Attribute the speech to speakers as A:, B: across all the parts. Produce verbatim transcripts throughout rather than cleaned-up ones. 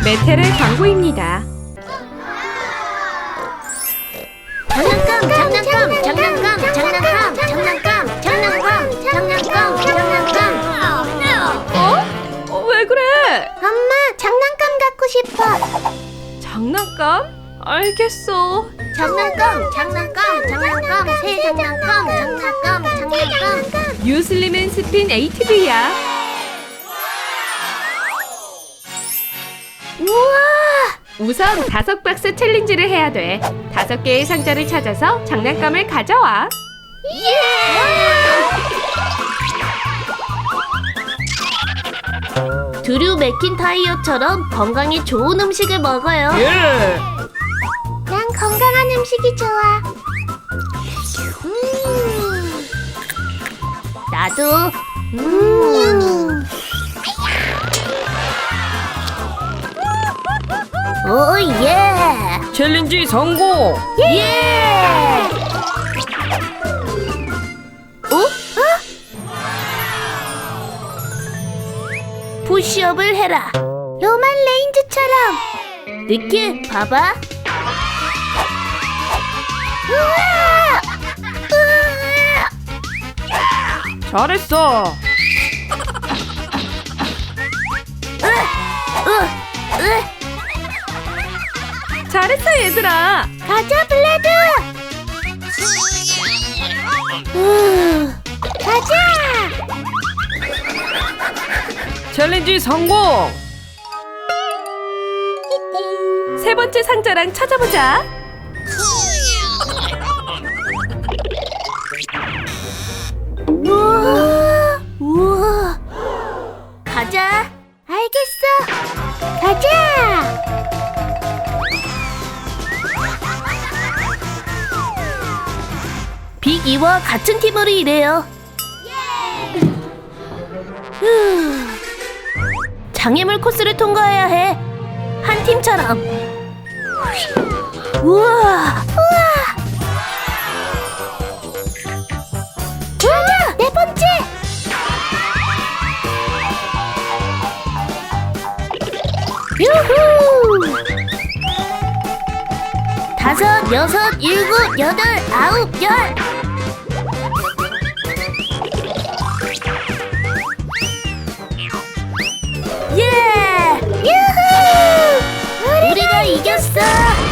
A: 메테르 광고입니다.
B: 장난감, 장난감, 장난감, 장난감, 장난감, 장난감, 장난감, 장난감.
A: 어? 어, 왜 그래?
B: 엄마, 장난감 갖고 싶어.
A: 장난감? 알겠어.
B: 장난감, 장난감, 장난감, 새 장난감, 장난감, 장난감.
A: 뉴슬림은 스핀 에이티브이야.
B: 우와!
A: 우선 다섯 박스 챌린지를 해야 돼. 다섯 개의 상자를 찾아서 장난감을 가져와.
B: 예! 드류 맥킨타이어처럼 건강에 좋은 음식을 먹어요.
A: 예.
B: 난 건강한 음식이 좋아. 음. 나도. 음. 오 예.
A: 챌린지 성공.
B: 예. 어? 어? 푸시업을 해라. 로만 레인즈처럼. 니키, 봐봐. 우와! 우와!
A: 잘했어.
B: 으! 으! 으!
A: 잘했어, 얘들아.
B: 가자, 블레드! 우, 가자!
A: 챌린지 성공. 세 번째 상자랑 찾아보자.
B: 우와! 우와! 가자! 알겠어! 가자! 빅이와 같은 팀으로 일해요. 후. 장애물 코스를 통과해야 해. 한 팀처럼. 우와! 우와! 우와! 네 번째! 유후! 다섯, 여섯, 일곱, 여덟, 아홉, 열! 예! 유후! 우리가 이겼어!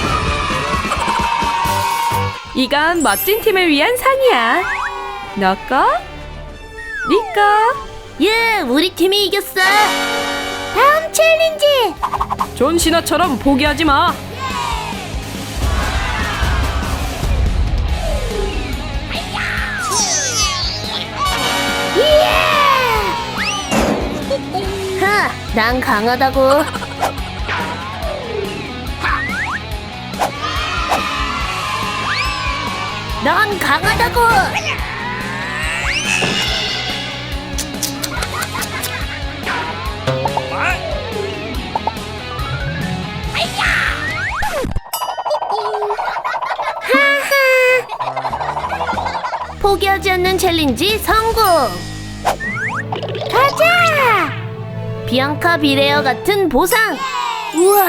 A: 이건 멋진 팀을 위한 상이야. 너 거? 네 거.
B: 예! 우리 팀이 이겼어! 다음 챌린지!
A: 존 시나처럼 포기하지 마.
B: 예! 하! 난 강하다고! 넌 강하다고! 하하! 포기하지 않는 챌린지 성공! 가자! 비앙카 비레어 같은 보상! 우와!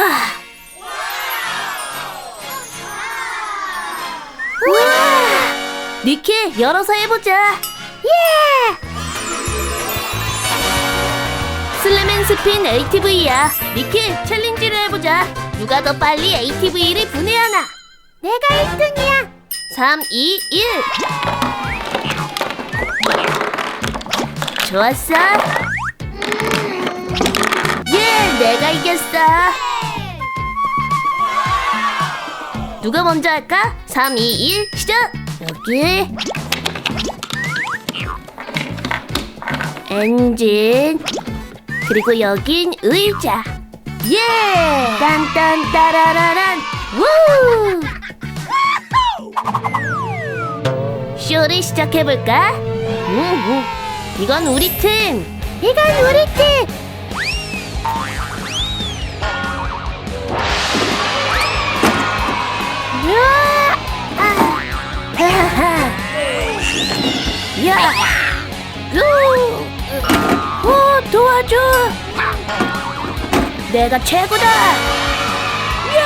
B: 우와! 니키, 열어서 해보자! 예! 슬램 앤 스핀 에이티브이야. 니키, 챌린지를 해보자. 누가 더 빨리 에이티브이를 분해하나? 내가 일 등이야! 삼, 이, 일! 좋았어! 예! 내가 이겼어! 누가 먼저 할까? 삼, 이, 일, 시작! 여기 엔진, 그리고 여긴 의자. 예! 딴딴 따라라란 우! 쇼를 시작해볼까? 음, 음. 이건 우리 팀! 이건 우리 팀! 으아! 아! 하하! 야! 우! 오, 도와줘! 내가 최고다. 예!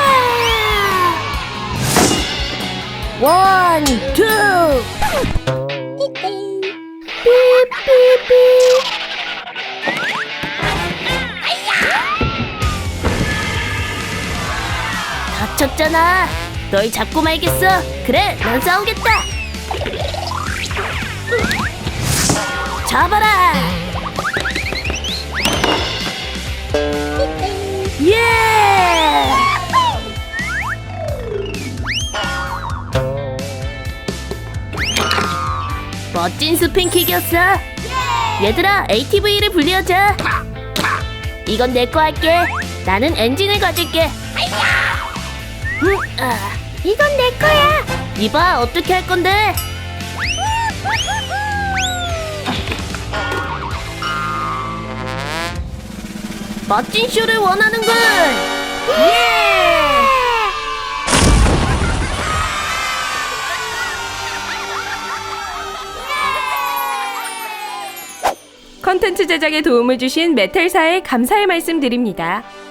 B: 원, 투. 삐삐삐. 다쳤잖아. 널 잡고 말겠어. 그래, 넌 싸우겠다. 잡아라. 예! 멋진 스핀킥이었어. 얘들아, 에이티브이를 분리하자. 이건 내 거 할게. 나는 엔진을 가질게. 음, 아, 이건 내 거야. 이봐, 어떻게 할 건데? 멋진 쇼를 원하는군. 예!
A: 컨텐츠 제작에 도움을 주신 메탈사에 감사의 말씀 드립니다.